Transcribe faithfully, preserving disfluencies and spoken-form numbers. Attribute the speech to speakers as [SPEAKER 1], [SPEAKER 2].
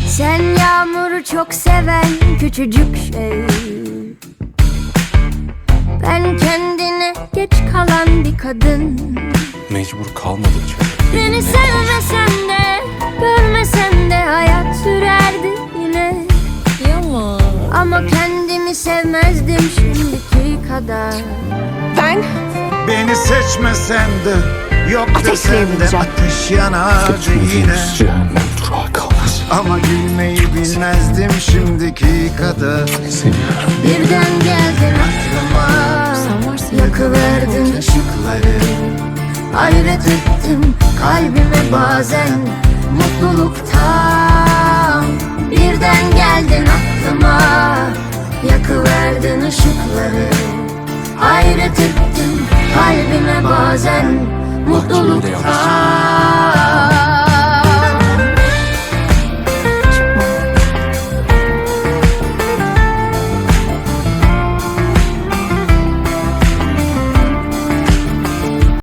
[SPEAKER 1] Sen yağmuru çok seven küçücük şey, ben kendine geç kalan bir kadın.
[SPEAKER 2] Mecbur kalmadıkça
[SPEAKER 1] Beni sevmesen de görmesen de hayat sürerdi yine.
[SPEAKER 3] Yaman.
[SPEAKER 1] Ama kendimi sevmezdim şimdiki kadar.
[SPEAKER 3] Ben
[SPEAKER 4] Beni seçmesen de yok
[SPEAKER 3] Ateşle
[SPEAKER 4] desen de
[SPEAKER 3] evleneceğim.
[SPEAKER 4] ateş yanardı yine.
[SPEAKER 2] cehennem durağı kalmaz.
[SPEAKER 4] Ama gülmeyi bilmezdim şimdiki kadar.
[SPEAKER 2] Seviyorum.
[SPEAKER 1] Birden geldin aklıma,
[SPEAKER 3] sen varsın.
[SPEAKER 1] yakıverdin ışıkları. Hayret ettim kalbime bazen mutluluktan. Birden geldin aklıma, yakıverdin ışıkları. Hayret ettim kalbime bazen mutluluktan.